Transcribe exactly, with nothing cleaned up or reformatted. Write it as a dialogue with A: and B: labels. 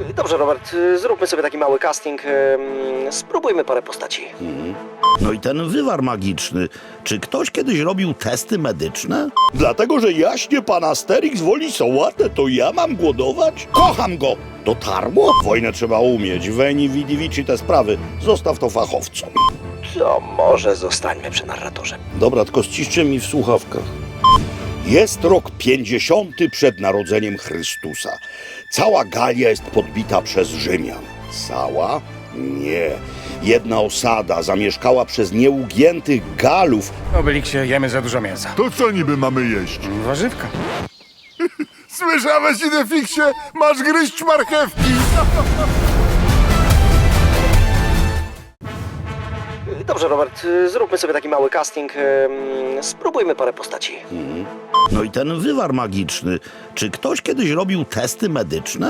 A: Dobrze, Robert, zróbmy sobie taki mały casting. em, Spróbujmy parę postaci.
B: No i ten wywar magiczny. Czy ktoś kiedyś robił testy medyczne? Dlatego, że jaśnie pan Asterix woli sałatę, to ja mam głodować? Kocham go! Dotarło? Wojnę trzeba umieć. Veni vidi vici te sprawy. Zostaw to fachowcom.
A: To może zostańmy przy narratorze.
B: Dobra, tylko ściszcie mi w słuchawkach. Jest rok pięćdziesiąty przed narodzeniem Chrystusa. Cała Galia jest podbita przez Rzymian. Cała? Nie. Jedna osada zamieszkała przez nieugiętych Galów.
C: Obelixie, jemy za dużo mięsa.
D: To co niby mamy jeść?
C: Warzywka.
D: Słyszałeś, Idefiksie? Masz gryźć marchewki!
A: Dobrze, Robert, zróbmy sobie taki mały casting. em, Spróbujmy parę postaci.
B: No i ten wywar magiczny. Czy ktoś kiedyś robił testy medyczne?